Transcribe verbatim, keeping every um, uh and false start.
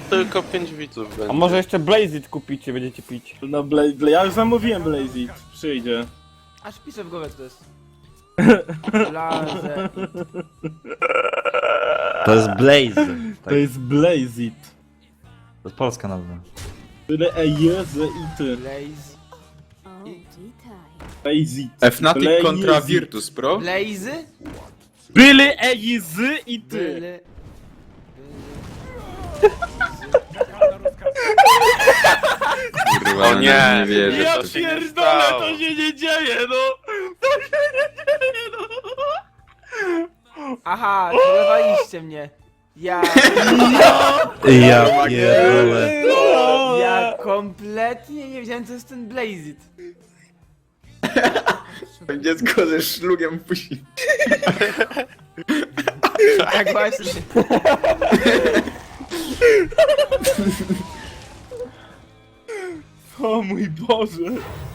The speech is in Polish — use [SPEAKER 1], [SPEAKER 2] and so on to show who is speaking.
[SPEAKER 1] tylko pięć widzów będzie.
[SPEAKER 2] A może jeszcze Blazit kupicie, będziecie pić.
[SPEAKER 3] No Bla Bla ja już zamówiłem Blazit. Przyjdzie.
[SPEAKER 4] Aż piszę w głowę, co to jest. Blaze.
[SPEAKER 5] To jest Blaze. Tak,
[SPEAKER 3] To jest Blazit.
[SPEAKER 5] to jest polska nazwa.
[SPEAKER 3] Tyle e jezy i ty.
[SPEAKER 4] Blaze.
[SPEAKER 3] Blazit.
[SPEAKER 6] Fnatic
[SPEAKER 3] Blazit.
[SPEAKER 6] kontra Virtus Pro.
[SPEAKER 4] Blazy?
[SPEAKER 3] Byle e jezy i ty.
[SPEAKER 4] Byle.
[SPEAKER 6] Kurwa,
[SPEAKER 1] O nie,
[SPEAKER 6] nie wierzę.
[SPEAKER 3] Ja
[SPEAKER 6] w to.
[SPEAKER 1] się nie
[SPEAKER 3] pierdolę,
[SPEAKER 1] stało.
[SPEAKER 3] to się nie dzieje, no! To się nie dzieje, no!
[SPEAKER 4] Aha, celowaliście mnie. Ja,
[SPEAKER 5] Ja pierdolę.
[SPEAKER 4] ja kompletnie nie wiedziałem, co jest ten Blazit.
[SPEAKER 6] Dziecko ze szlugiem puści.
[SPEAKER 4] Tak właśnie.
[SPEAKER 3] O mój Boże!